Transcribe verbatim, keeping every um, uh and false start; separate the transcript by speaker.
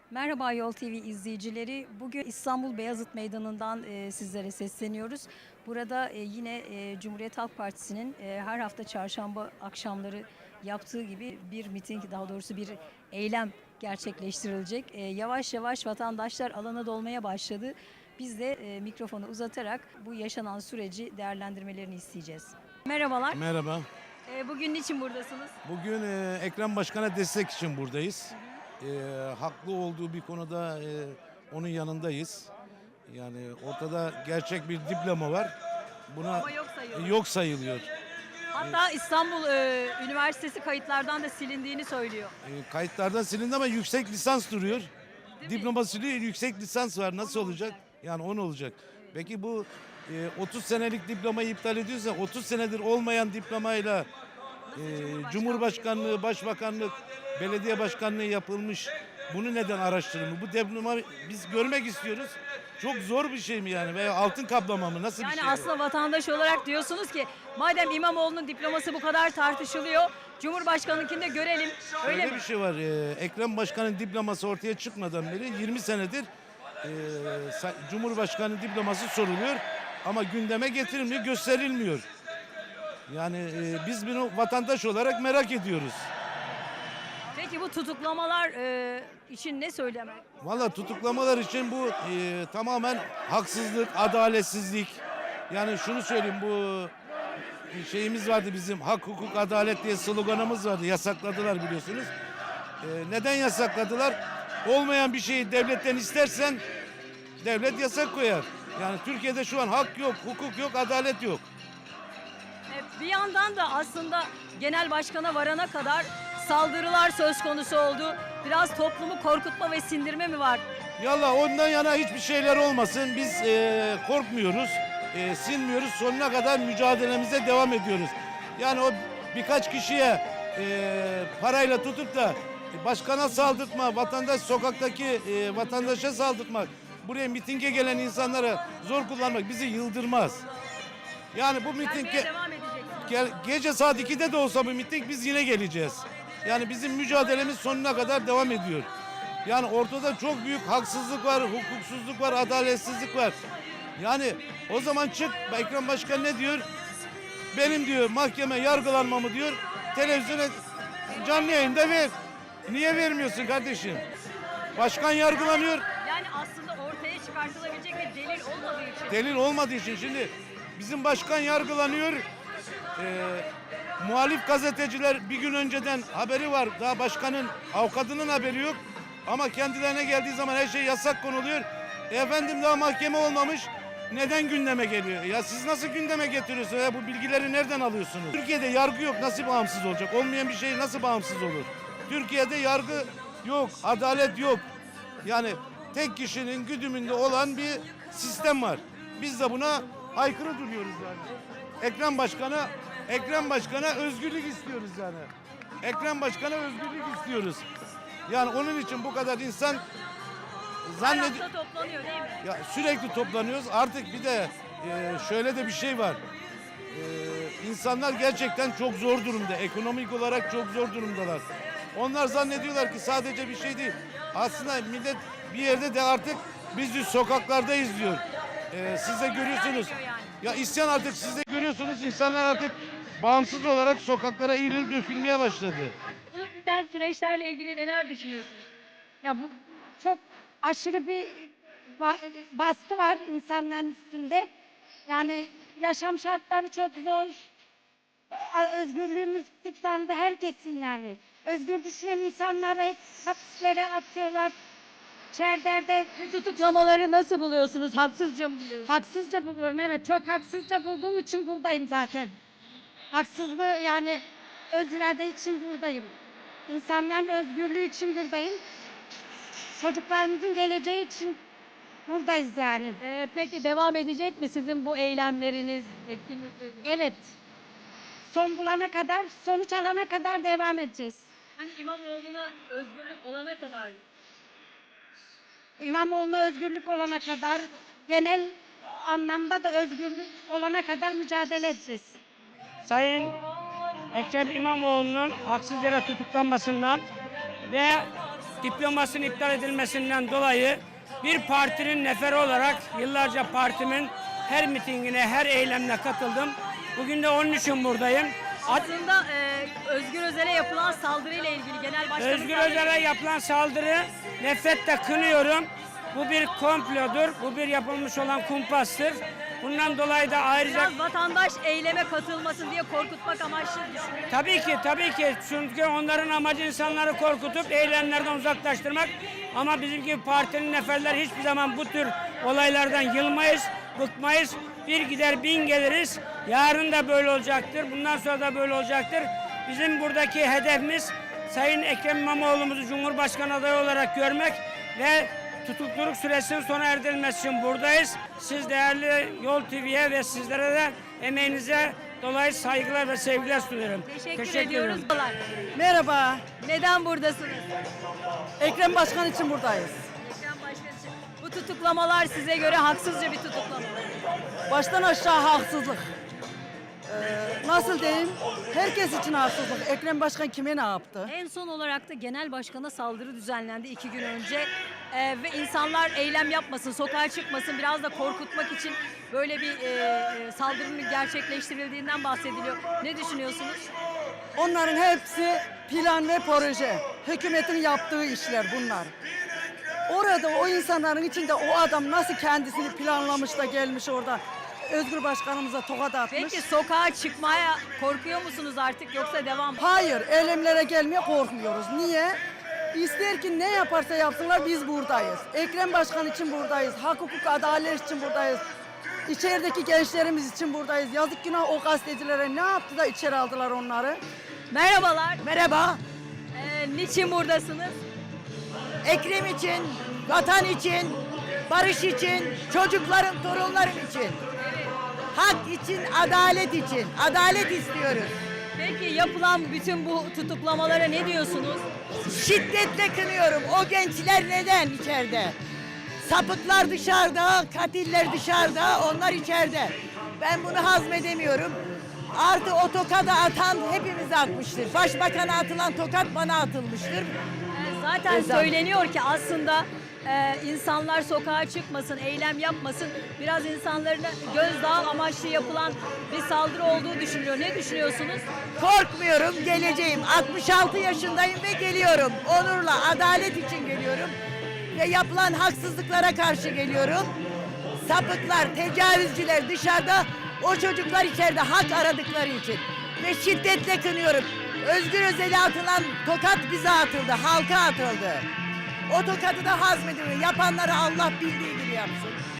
Speaker 1: Merhaba Yol T V izleyicileri. Bugün İstanbul Beyazıt Meydanı'ndan e, sizlere sesleniyoruz. Burada e, yine e, Cumhuriyet Halk Partisi'nin e, her hafta çarşamba akşamları yaptığı gibi bir miting, daha doğrusu bir eylem gerçekleştirilecek. E, yavaş yavaş vatandaşlar alana dolmaya başladı. Biz de e, mikrofonu uzatarak bu yaşanan süreci değerlendirmelerini isteyeceğiz. Merhabalar.
Speaker 2: Merhaba.
Speaker 1: E, bugün niçin buradasınız?
Speaker 2: Bugün e, Ekrem Başkan'a destek için buradayız. E, haklı olduğu bir konuda e, onun yanındayız. Yani ortada gerçek bir diploma var. Buna
Speaker 1: Ama yok sayılıyor.
Speaker 2: yok sayılıyor.
Speaker 1: Hatta İstanbul e, Üniversitesi kayıtlardan da silindiğini söylüyor.
Speaker 2: E, kayıtlardan silindi ama yüksek lisans duruyor.
Speaker 1: Değil mi?
Speaker 2: Diploma siliniyor, yüksek lisans var. Nasıl olacak? Yani on olacak. Peki bu e, otuz senelik diplomayı iptal ediyorsa otuz senedir olmayan diplomayla e, Cumhurbaşkanlığı, Başbakanlık, belediye başkanlığı yapılmış. Bunu neden araştırılmıyor? Bu diploma biz görmek istiyoruz. Çok zor bir şey mi yani? Veya altın kaplama mı? Nasıl bir
Speaker 1: Yani
Speaker 2: şey? bu?
Speaker 1: aslında vatandaş olarak diyorsunuz ki madem İmamoğlu'nun diploması bu kadar tartışılıyor, Cumhurbaşkanı'nkini de görelim. Öyle
Speaker 2: Öyle
Speaker 1: mi?
Speaker 2: bir şey var. Ee, Ekrem Başkan'ın diploması ortaya çıkmadan beri yirmi senedir e, sa- Cumhurbaşkanı diploması soruluyor ama gündeme getirilmiyor, gösterilmiyor. Yani e, biz bunu vatandaş olarak merak ediyoruz.
Speaker 1: Peki bu tutuklamalar e, için ne söylemek?
Speaker 2: Valla tutuklamalar için bu e, tamamen haksızlık, adaletsizlik. Yani şunu söyleyeyim, bu şeyimiz vardı bizim, hak, hukuk, adalet diye sloganımız vardı. Yasakladılar biliyorsunuz. E, neden yasakladılar? Olmayan bir şeyi devletten istersen devlet yasak koyar. Yani Türkiye'de şu an hak yok, hukuk yok, adalet yok.
Speaker 1: E, bir yandan da aslında genel başkana varana kadar saldırılar söz konusu oldu. Biraz toplumu korkutma ve sindirme mi var?
Speaker 2: Yallah ondan yana hiçbir şeyler olmasın. Biz e, korkmuyoruz, e, sinmiyoruz. Sonuna kadar mücadelemize devam ediyoruz. Yani o birkaç kişiye e, parayla tutup da başkana saldırtma, vatandaş sokaktaki e, vatandaşa saldırtmak, buraya mitinge gelen insanlara zor kullanmak bizi yıldırmaz. Yani bu miting
Speaker 1: Gelmeye devam edeceksiniz.
Speaker 2: Gel, gece saat ikide de olsa bu miting biz yine geleceğiz. Yani bizim mücadelemiz sonuna kadar devam ediyor. Yani ortada çok büyük haksızlık var, hukuksuzluk var, adaletsizlik var. Yani o zaman çık, Ekrem Başkan ne diyor? Benim diyor mahkeme yargılanmamı diyor, televizyona canlı yayında ver. Niye vermiyorsun kardeşim? Başkan yargılanıyor.
Speaker 1: Yani aslında ortaya çıkartılabilecek bir delil olmadığı için.
Speaker 2: Delil olmadığı için şimdi bizim başkan yargılanıyor. Ee, muhalif gazeteciler bir gün önceden haberi var. Daha başkanın, avukatının haberi yok. Ama kendilerine geldiği zaman her şey yasak konuluyor. E efendim daha mahkeme olmamış. Neden gündeme geliyor? Ya siz nasıl gündeme getiriyorsunuz? Ya bu bilgileri nereden alıyorsunuz? Türkiye'de yargı yok. Nasıl bağımsız olacak? Olmayan bir şey nasıl bağımsız olur? Türkiye'de yargı yok. Adalet yok. Yani tek kişinin güdümünde olan bir sistem var. Biz de buna aykırı duruyoruz yani. Ekrem Başkan'a Ekrem Başkan'a özgürlük istiyoruz yani. Ekrem Başkan'a özgürlük istiyoruz. Yani onun için bu kadar insan
Speaker 1: Her
Speaker 2: zannediyor.
Speaker 1: hafta toplanıyor değil mi?
Speaker 2: Ya sürekli toplanıyoruz. Artık bir de e, şöyle de bir şey var. E, insanlar gerçekten çok zor durumda. Ekonomik olarak çok zor durumdalar. Onlar zannediyorlar ki sadece bir şey değil. Aslında millet bir yerde de artık biz de sokaklardayız diyor. E, siz de görüyorsunuz. Ya isyan artık siz de görüyorsunuz. İnsanlar artık bağımsız olarak sokaklara eğilip dökülmeye başladı.
Speaker 1: Bu biten süreçlerle ilgili neler düşünüyorsunuz?
Speaker 3: Ya bu çok aşırı bir ba- baskı var insanların üstünde. Yani yaşam şartları çok zor. A- Özgürlüğümüz kısıtlandı herkesin yani. Özgür düşünen insanları hep hapislere atıyorlar. İçerilerde
Speaker 1: Tutuklamaları nasıl buluyorsunuz? Haksızca mı buluyorsunuz?
Speaker 3: haksızca buluyorum. Evet, çok haksızca bulduğum için buradayım zaten. Haksızlığı yani öz irade için buradayım. İnsanların özgürlüğü için buradayım. Çocuklarımızın geleceği için buradayız yani.
Speaker 1: Ee, peki devam edecek mi sizin bu eylemleriniz, etkinlikleriniz?
Speaker 3: Evet. Son bulana kadar, sonuç alana kadar devam edeceğiz.
Speaker 1: Hani İmamoğlu'na özgürlük olana kadar.
Speaker 3: İmamoğlu'na özgürlük olana kadar, genel anlamda da özgürlük olana kadar mücadele edeceğiz.
Speaker 4: Sayın Ekrem İmamoğlu'nun haksız yere tutuklanmasından ve diplomasının iptal edilmesinden dolayı bir partinin neferi olarak yıllarca partimin her mitingine, her eylemine katıldım. Bugün de onun için buradayım.
Speaker 1: Aslında e, Özgür Özel'e yapılan saldırıyla ilgili genel başkanı...
Speaker 4: Özgür Özel'e yapılan saldırı nefretle kınıyorum. Bu bir komplodur, bu bir yapılmış olan kumpastır. Bundan dolayı da ayrıca...
Speaker 1: Biraz vatandaş eyleme katılmasın diye korkutmak amaçlı düşünüyorum.
Speaker 4: Tabii ki, tabii ki. Çünkü onların amacı insanları korkutup eylemlerden uzaklaştırmak. Ama bizim gibi partinin neferler hiçbir zaman bu tür olaylardan yılmayız, bıkmayız. Bir gider bin geliriz. Yarın da böyle olacaktır. Bundan sonra da böyle olacaktır. Bizim buradaki hedefimiz Sayın Ekrem İmamoğlu'muzu Cumhurbaşkanı adayı olarak görmek ve tutukluluk süresinin sona erdirilmesi için buradayız. Siz değerli Yol T V'ye ve sizlere de emeğinize dolayı saygılar ve sevgiler sunuyorum.
Speaker 1: Teşekkür, ediyoruz.
Speaker 5: Merhaba.
Speaker 1: Neden buradasınız?
Speaker 5: Ekrem Başkan için buradayız.
Speaker 1: Ekrem Başkan için. Bu tutuklamalar size göre haksızca bir tutuklama.
Speaker 5: Baştan aşağı haksızlık. Ee, nasıl diyeyim? Herkes için haksızlık. Ekrem Başkan kime ne yaptı?
Speaker 1: En son olarak da genel başkana saldırı düzenlendi iki gün önce. Ee, ve insanlar eylem yapmasın, sokağa çıkmasın, biraz da korkutmak için böyle bir e, e, saldırının gerçekleştirildiğinden bahsediliyor. Ne düşünüyorsunuz?
Speaker 5: Onların hepsi plan ve proje. Hükümetin yaptığı işler bunlar. Orada o insanların içinde o adam nasıl kendisini planlamış da gelmiş orada Özgür Başkanımıza tokat atmış.
Speaker 1: Peki sokağa çıkmaya korkuyor musunuz artık yoksa devam mı?
Speaker 5: Hayır, eylemlere gelmeye korkmuyoruz. Niye? İster ki ne yaparsa yapsınlar biz buradayız. Ekrem Başkan için buradayız. Hak, hukuk, adalet için buradayız. İçerideki gençlerimiz için buradayız. Yazık günah o gazetecilere ne yaptı da içeri aldılar onları.
Speaker 1: Merhabalar.
Speaker 5: Merhaba.
Speaker 1: Ee, niçin buradasınız?
Speaker 5: Ekrem için, vatan için, barış için, çocukların, torunların için. Hak için, adalet için. Adalet istiyoruz.
Speaker 1: Peki yapılan bütün bu tutuklamalara ne diyorsunuz?
Speaker 5: Şiddetle kınıyorum. O gençler neden içeride? Sapıklar dışarıda, katiller dışarıda, onlar içeride. Ben bunu hazmedemiyorum. Artı o tokadı atan hepimize atmıştır. Başbakana atılan tokat bana atılmıştır.
Speaker 1: Ee, Zaten
Speaker 5: Özel.
Speaker 1: söyleniyor ki aslında e, insanlar sokağa çıkmasın, eylem yapmasın. Biraz insanların gözdağı amaçlı yapılan bir saldırı olduğu düşünülüyor. Ne düşünüyorsunuz?
Speaker 5: Korkmuyorum, geleceğim. altmış altı yaşındayım ve geliyorum. Onurla, adalet için geliyorum. Ve yapılan haksızlıklara karşı geliyorum. Sapıklar, tecavüzcüler dışarıda, o çocuklar içeride hak aradıkları için. Ve şiddetle kınıyorum. Özgür Özel'e atılan tokat bize atıldı, halka atıldı. O tokadı da hazmedilmiyor. Yapanları Allah bildiği gibi yapsın.